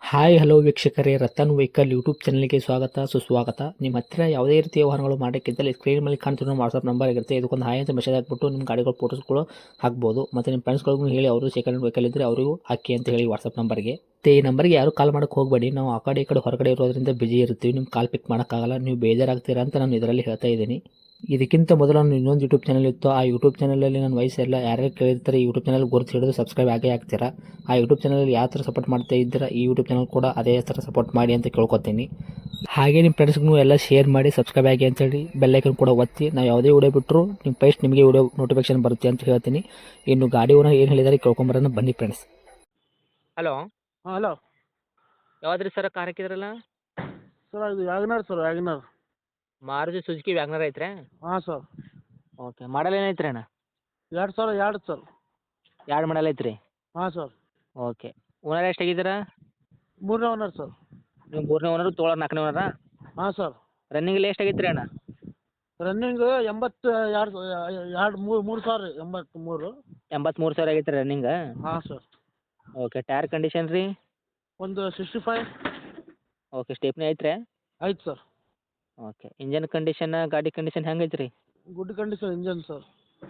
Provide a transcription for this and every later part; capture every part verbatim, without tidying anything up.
Hi hello ವೀಕ್ಷಕರೇ, Ratan vehicle YouTube ಚಾನಲ್ಗೆ ಸ್ವಾಗತ ಸುಸ್ವಾಗತ. ನಿಮ್ಮ ಹತ್ತಿರ ಯಾವುದೇ ರೀತಿಯ ವಾಹನಗಳು ಮಾಡೋಕ್ಕಿದ್ದಲ್ಲಿ ಸ್ಕ್ರೀನ್ ಮೇಲೆ ಕಾಣ್ತಿರೋ ವಾಟ್ಸಪ್ ನಂಬರ್ ಇರುತ್ತೆ. ಇದಕ್ಕೊಂದು ಹಾಯ್ ಅಂತ ಮೆಸೇಜ್ ಹಾಕ್ಬಿಟ್ಟು ನಿಮ್ಮ ಗಾಡಿಗಳ ಫೋಟೋಸ್ಗಳು ಹಾಕ್ಬೋದು. ಮತ್ತು ನಿಮ್ಮ ಫ್ರೆಂಡ್ಸ್ಗಳಿಗೂ ಹೇಳಿ, ಅವರು ಸೆಕೆಂಡ್ ವೆಹಿಕಲ್ ಇದ್ದರೆ ಅವರಿಗೂ ಹಾಕಿ ಅಂತ ಹೇಳಿ ವಾಟ್ಸಪ್ ನಂಬರ್ಗೆ. ಈ ನಂಬರ್ಗೆ ಯಾರು ಕಾಲ್ ಮಾಡೋಕ್ಕೆ ಹೋಗಬೇಡಿ. ನಾವು ಆ ಕಡೆ ಈ ಕಡೆ ಹೊರಗಡೆ ಇರೋದ್ರಿಂದ ಬಿಜಿ ಇರ್ತೀವಿ. ನಿಮ್ಮ ಕಾಲ್ ಪಿಕ್ ಮಾಡೋಕ್ಕಾಗಲ್ಲ, ನೀವು ಬೇಜಾರಾಗ್ತೀರಾ ಅಂತ ನಾನು ಇದರಲ್ಲಿ ಹೇಳ್ತಾ ಇದ್ದೀನಿ. ಇದಕ್ಕಿಂತ ಮೊದಲು ನಾನು ಇನ್ನೊಂದು ಯೂಟ್ಯೂಬ್ ಚಾನಲ್ ಇತ್ತು. ಆ ಯೂಟ್ಯೂಬ್ ಚಾನಲಲ್ಲಿ ನನ್ನ ವಯಸ್ಸೆಲ್ಲ ಯಾರ್ಯಾರು ಕೇಳಿರ್ತಾರೆ ಈ ಯೂಟ್ಯೂಬ್ ಚಾನಲ್ ಗುರುತು ಹಿಡಿದು ಸಬ್ಸ್ಕ್ರೈಬ್ ಆಗೇ ಆಗ್ತೀರಾ. ಆ ಯೂಟ್ಯೂಬ್ ಚಾನಲಲ್ಲಿ ಯಾವ ಥರ ಸಪೋರ್ಟ್ ಮಾಡ್ತಾ ಇದ್ದೀರಾ, ಈ ಯೂಟ್ಯೂಬ್ ಚಾನಲ್ ಕೂಡ ಅದೇ ಥರ ಸಪೋರ್ಟ್ ಮಾಡಿ ಅಂತ ಕೇಳ್ಕೊತೀನಿ. ಹಾಗೆ ನಿಮ್ಮ ಫ್ರೆಂಡ್ಸ್ಗೂ ಎಲ್ಲ ಶೇರ್ ಮಾಡಿ, ಸಬ್ಸ್ಕ್ರೈಬ್ ಆಗಿ ಅಂತೇಳಿ ಬೆಲ್ಲೈಕನ್ ಕೂಡ ಒತ್ತಿ. ನಾವು ಯಾವುದೇ ವಿಡಿಯೋ ಬಿಟ್ಟರು ನಿಮ್ಮ ಫಸ್ಟ್ ನಿಮಗೆ ವಿಡಿಯೋ ನೋಟಿಫಿಕೇಶನ್ ಬರುತ್ತೆ ಅಂತ ಹೇಳ್ತೀನಿ. ಇನ್ನು ಗಾಡಿ ಓನರ್ ಏನು ಹೇಳಿದಾರೆ ಕೇಳ್ಕೊಂಬರೋಣ ಬನ್ನಿ ಫ್ರೆಂಡ್ಸ್. ಹಲೋ, ಹಾಂ ಹಲೋ ಯಾವ್ದು ರೀ ಸರ್ ಕಾರ್ ಹಾಕಿದ್ರಲ್ಲ? ಸರ್ ಇದು WagonR sir WagonR Maruti Suzuki WagonR ಐತ್ರಿ? ಹಾಂ ಸರ್. ಓಕೆ, ಮಾಡಲ್ ಏನೈತ್ರಿ ಅಣ್ಣ? ಎರಡು ಸಾವಿರ ಎರಡು ಸರ್. ಎರಡು ಮಾಡಲ್ ಐತ್ರಿ? ಹಾಂ ಸರ್. ಓಕೆ, ಓನರ್ ಎಷ್ಟು ಆಗಿದ್ದೀರಾ? ಮೂರನೇ ಓನರ್ ಸರ್. ನೀವು ಮೂರನೇ ಓನರು, ತೊಗೊಳೋರು ನಾಲ್ಕನೇ ಓನರಾ? ಹಾಂ ಸರ್. ರನ್ನಿಂಗಲ್ಲಿ ಎಷ್ಟು ಆಗೈತ್ರಿ ಅಣ್ಣ? ರನ್ನಿಂಗ್ ಎಂಬತ್ತು ಎರಡು ಎರಡು ಮೂರು ಮೂರು ಸಾವಿರ ರೀ ಎಂಬತ್ತ್ಮೂರು. ಎಂಬತ್ತ್ಮೂರು ಸಾವಿರ ಆಗೈತೆ ರನ್ನಿಂಗ್? ಹಾಂ ಸರ್. ಓಕೆ, ಟೈರ್ ಕಂಡೀಷನ್ ರೀ? ಒಂದು ಸಿಕ್ಸ್ಟಿ ಫೈವ್. ಓಕೆ, ಸ್ಟೇಪ್ನಿ ಐತ್ರಿ? ಆಯ್ತು ಸರ್. ಓಕೆ, ಇಂಜನ್ ಕಂಡೀಷನ್, ಗಾಡಿ ಕಂಡೀಷನ್ ಹೆಂಗೆ ಐತ್ರಿ? Good condition engine sir.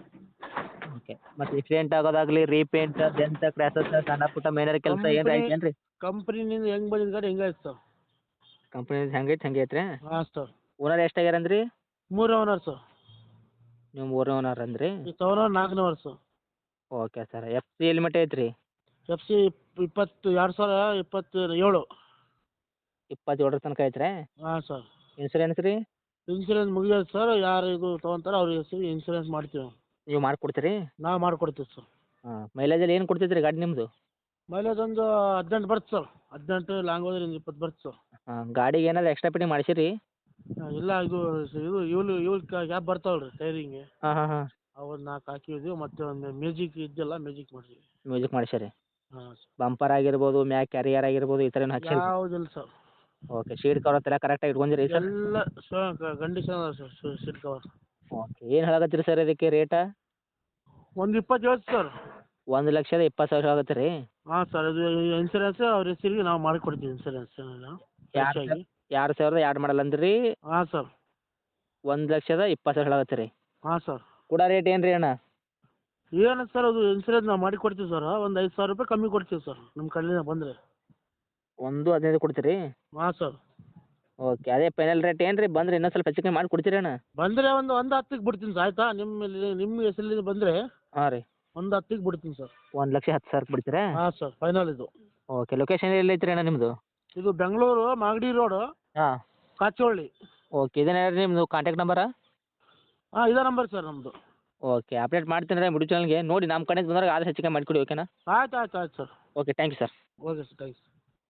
Okay, ಮತ್ತು ಆಕ್ಸಿಡೆಂಟ್ ಆಗೋದಾಗಲಿ, ರೀಪೇಂಟ್, ಡೆಂತ್, ಕ್ರ್ಯಾಸಸ್, ಸಣ್ಣ ಪುಟ್ಟ ಮೇನರ್ ಕೆಲಸ ಏನು ಐತೇನು ರೀ? ಕಂಪ್ನಿನಿಂದ ಹೆಂಗೆ ಬಂದಿದ್ದು ಗಾಡಿ ಹೆಂಗೆ ಆಯ್ತು ಸರ್. ಕಂಪ್ನಿದು ಹೆಂಗೆ ಐತೆ ಹಂಗೆ ಐತ್ರಿ? ಹಾಂ ಸರ್. ಓನರ್ ಎಷ್ಟು ಆಗ್ಯಾರ ಅಂದ್ರಿ? ಮೂರನೇ ಓನರ್ ಸರ್. ನೀವು ಮೂರನೇ ಓನರ್ ಅಂದ್ರಿ? ಈ ತಗೊಳ್ಳೋ ನಾಲ್ಕನೇ owner sir. Okay sir, F C ಎಲ್ಲಿ ಮಟ್ಟ ಐತ್ರಿ? ಎಫ್ ಸಿ ಇಪ್ಪತ್ತು ಎರಡು ಸಾವಿರ ಇಪ್ಪತ್ತು ಏಳು. ಇಪ್ಪತ್ತೇಳರ ತನಕ ಐತ್ರಿ? ಹಾಂ ಸರ್. ಇನ್ಸೂರೆನ್ಸ್ ರೀ? ಇನ್ಸೂರೆನ್ಸ್ ಮುಗಿಯೋದು ಸರ್. ಯಾರು ಇದು ತೊಗೊಂತಾರೆ ಅವ್ರಿಗೆ ಹೆಸರು ಇನ್ಸೂರೆನ್ಸ್ ಮಾಡ್ತೀವಿ. ನೀವು ಮಾಡಿಕೊಡ್ತೀರಿ? ನಾವು ಮಾಡಿಕೊಡ್ತೀವಿ ಸರ್. ಹಾಂ, ಮೈಲೇಜಲ್ಲಿ ಏನು ಕೊಡ್ತೈತೆ ರೀ ಗಾಡಿ ನಿಮ್ಮದು? ಮೈಲೇಜ್ ಒಂದು ಹದಿನೆಂಟು ಬರುತ್ತೆ ಸರ್. ಹದಿನೆಂಟು ಲಾಂಗ್ ಹೋದ್ರೆ ಒಂದು ಇಪ್ಪತ್ತು ಬರುತ್ತೆ ಸರ್. ಹಾಂ, ಗಾಡಿಗೆ ಏನಾದ್ರು ಎಕ್ಸ್ಟ್ರಾ ಫಿಟ್ಟಿಂಗ್ ಮಾಡಿಸಿರಿ? ಹಾಂ, ಇಲ್ಲ ಇದು ಇದು ಇವ್ಲು ಇವ್ಲು ಗ್ಯಾಪ್ ಬರ್ತಾವಲ್ಲ ರೀ ಟೈರಿಂಗೆ, ಹಾಂ ಹಾಂ ಹಾಂ. ಅವನ್ನ ನಾಲ್ಕು ಹಾಕಿದ್ವಿ. ಮತ್ತು ಒಂದು ಮ್ಯೂಸಿಕ್ ಇದ್ದಲ್ಲ ಮ್ಯೂಸಿಕ್ ಮಾಡಿದ್ವಿ. ಮ್ಯೂಸಿಕ್ ಮಾಡಿಸಿರಿ? ಹಾಂ ಸರ್. ಬಂಪರ್ ಆಗಿರ್ಬೋದು, ಮ್ಯಾಕ್ ಕ್ಯಾರಿಯರ್ ಆಗಿರ್ಬೋದು, ಈ ಥರ ಏನು ಹಾಕ್ಸಿರಿ? ಯಾವುದಿಲ್ಲ ಸರ್. ಓಕೆ, ಶೀಟ್ ಕವರ್ ಎಲ್ಲ ಕರೆಕ್ಟಾಗಿ ಇಟ್ಕೊಂಡಿರಿ ಸರ್? ಎಲ್ಲ ಕಂಡೀಷನ್ ಅದ ಸರ್ ಸೀಟ್ ಕವರ್. ಓಕೆ, ಏನು ಹೇಳಕತ್ತೀರಿ ಸರ್ ಇದಕ್ಕೆ ರೇಟ? ಒಂದು ಇಪ್ಪತ್ತು ಹೇಳ್ತು ಸರ್. ಒಂದು ಲಕ್ಷದ ಇಪ್ಪತ್ತು ಸಾವಿರ ಆಗುತ್ತೆ ರೀ? ಹಾಂ ಸರ್. ಇದು ಇನ್ಸೂರೆನ್ಸ್ ಅವ್ರ ಹೆಸರಿಗೆ ನಾವು ಮಾಡಿಕೊಡ್ತೀವಿ ಇನ್ಸೂರೆನ್ಸ್ ಎರಡು ಆಗಿ. ಎರಡು ಸಾವಿರದ ಎರಡು ಮಾಡಲ್ ಅಂದ್ರಿ? ಹಾಂ ಸರ್. ಒಂದು ಲಕ್ಷದ ಇಪ್ಪತ್ತು ಸಾವಿರ ಆಗುತ್ತೆ ರೀ? ಹಾಂ ಸರ್. ಕೂಡ ರೇಟ್ ಏನು ರೀ ಅಣ್ಣ? ಏನು ಸರ್, ಅದು ಇನ್ಸೂರೆನ್ಸ್ ನಾವು ಮಾಡಿ ಕೊಡ್ತೀವಿ ಸರ್. ಒಂದು ಐದು ಸಾವಿರ ರೂಪಾಯಿ ಕಮ್ಮಿ ಕೊಡ್ತೀವಿ ಸರ್ ನಿಮ್ಮ ಕಡೆಯಿಂದ ಬಂದರೆ. ಒಂದು ಹದಿನೈದು ಕೊಡ್ತೀರಿ? ಹಾಂ ಸರ್. ಓಕೆ, ಅದೇ ಫೈನಲ್ ರೇಟ್ ಏನು ರೀ? ಬಂದರೆ ಇನ್ನೂ ಸ್ವಲ್ಪ ಹೆಚ್ಚು ಕಮ್ಮಿ ಮಾಡಿ ಕೊಡ್ತೀರಿ ಅಣ್ಣ? ಬಂದರೆ ಒಂದು ಒಂದು ಹತ್ತಿಗೆ ಬಿಡ್ತೀನಿ ಸರ್. ಆಯಿತಾ? ನಿಮ್ಮ ನಿಮ್ಮ ಹೆಸರಲ್ಲಿ ಬಂದರೆ ಹಾಂ ರೀ, ಒಂದು ಹತ್ತಿಗೆ ಬಿಡ್ತೀನಿ ಸರ್. ಒಂದು ಲಕ್ಷ ಹತ್ತು ಸಾವಿರಕ್ಕೆ ಬಿಡ್ತೀರಾ? ಹಾಂ ಸರ್, ಫೈನಲ್ ಇದು. ಓಕೆ, ಲೊಕೇಶನ್ ಎಲ್ಲಿ ಐತ್ರಿ ಅಣ್ಣ ನಿಮ್ಮದು? ಇದು ಬೆಂಗಳೂರು ಮಾಗಡಿ ರೋಡು, ಹಾಂ. ಕಾಚೋಳ್ಳಿ. ಓಕೆ, ಇದೇನೇ ನಿಮ್ಮದು ಕಾಂಟ್ಯಾಕ್ಟ್ ನಂಬರಾ? ಹಾಂ, ಇದೇ ನಂಬರ್ ಸರ್ ನಮ್ಮದು. ಓಕೆ, ಅಪ್ಡೇಟ್ ಮಾಡ್ತೀನಿ ರೀ ಯೂಟ್ಯೂಬ್ ಚಾನಲ್ಗೆ. ನೋಡಿ ನಮ್ಮ ಕಡೆಯಿಂದ ಬಂದಾಗ ಆದಷ್ಟು ಹೆಚ್ಚಿಗೆ ಮಾಡಿಕೊಡಿ. ಓಕೆನಾ? ಆಯ್ತು ಆಯ್ತು ಆಯ್ತು sir. Okay, thank you sir. Okay sir, thanks.